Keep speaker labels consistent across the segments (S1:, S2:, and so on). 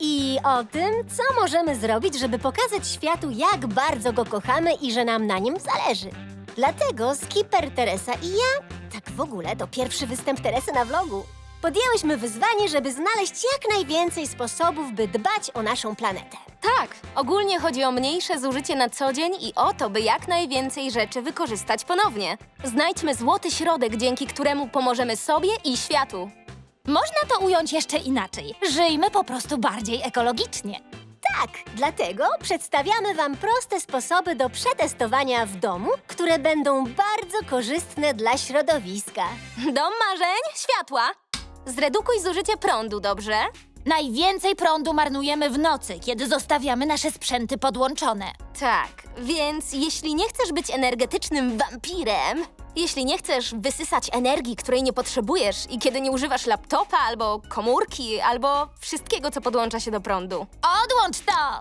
S1: I o tym, co możemy zrobić, żeby pokazać światu, jak bardzo go kochamy i że nam na nim zależy. Dlatego Skipper, Teresa i ja, tak w ogóle to pierwszy występ Teresy na vlogu, podjęłyśmy wyzwanie, żeby znaleźć jak najwięcej sposobów, by dbać o naszą planetę.
S2: Tak, ogólnie chodzi o mniejsze zużycie na co dzień i o to, by jak najwięcej rzeczy wykorzystać ponownie. Znajdźmy złoty środek, dzięki któremu pomożemy sobie i światu.
S3: Można to ująć jeszcze inaczej. Żyjmy po prostu bardziej ekologicznie.
S1: Tak, dlatego przedstawiamy Wam proste sposoby do przetestowania w domu, które będą bardzo korzystne dla środowiska.
S2: Dom marzeń, światła. Zredukuj zużycie prądu, dobrze?
S3: Najwięcej prądu marnujemy w nocy, kiedy zostawiamy nasze sprzęty podłączone.
S2: Tak, więc jeśli nie chcesz być energetycznym wampirem, jeśli nie chcesz wysysać energii, której nie potrzebujesz i kiedy nie używasz laptopa albo komórki, albo wszystkiego, co podłącza się do prądu.
S3: Odłącz to!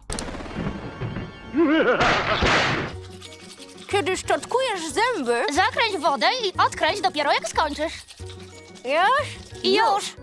S2: Kiedy szczotkujesz zęby...
S3: Zakręć wodę i odkręć dopiero jak skończysz.
S2: Już?
S3: I już!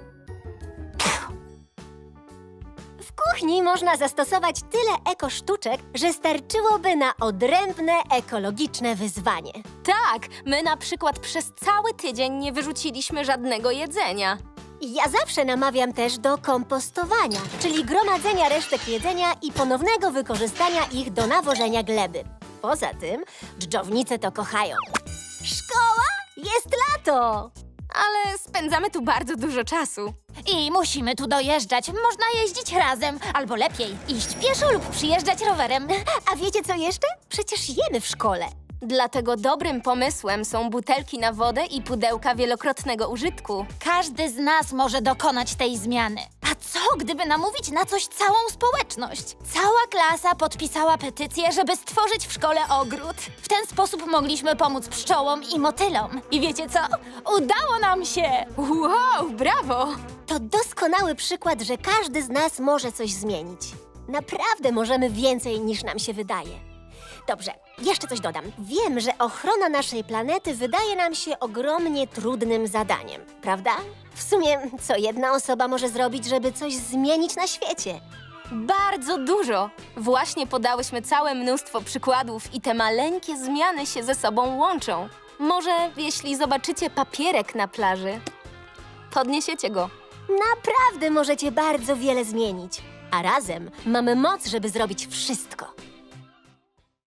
S1: W kuchni można zastosować tyle ekosztuczek, że starczyłoby na odrębne ekologiczne wyzwanie.
S2: Tak, my na przykład przez cały tydzień nie wyrzuciliśmy żadnego jedzenia.
S1: Ja zawsze namawiam też do kompostowania, czyli gromadzenia resztek jedzenia i ponownego wykorzystania ich do nawożenia gleby. Poza tym, dżdżownice to kochają. Szkoła? Jest lato!
S2: Ale spędzamy tu bardzo dużo czasu.
S3: I musimy tu dojeżdżać. Można jeździć razem, albo lepiej, iść pieszo lub przyjeżdżać rowerem.
S1: A wiecie co jeszcze? Przecież jemy w szkole.
S2: Dlatego dobrym pomysłem są butelki na wodę i pudełka wielokrotnego użytku.
S3: Każdy z nas może dokonać tej zmiany. A co, gdyby namówić na coś całą społeczność? Cała klasa podpisała petycję, żeby stworzyć w szkole ogród. W ten sposób mogliśmy pomóc pszczołom i motylom. I wiecie co? Udało nam się!
S2: Wow, brawo!
S1: To doskonały przykład, że każdy z nas może coś zmienić. Naprawdę możemy więcej niż nam się wydaje. Dobrze, jeszcze coś dodam. Wiem, że ochrona naszej planety wydaje nam się ogromnie trudnym zadaniem, prawda? W sumie, co jedna osoba może zrobić, żeby coś zmienić na świecie?
S2: Bardzo dużo! Właśnie podałyśmy całe mnóstwo przykładów i te maleńkie zmiany się ze sobą łączą. Może jeśli zobaczycie papierek na plaży, podniesiecie go.
S1: Naprawdę możecie bardzo wiele zmienić. A razem mamy moc, żeby zrobić wszystko.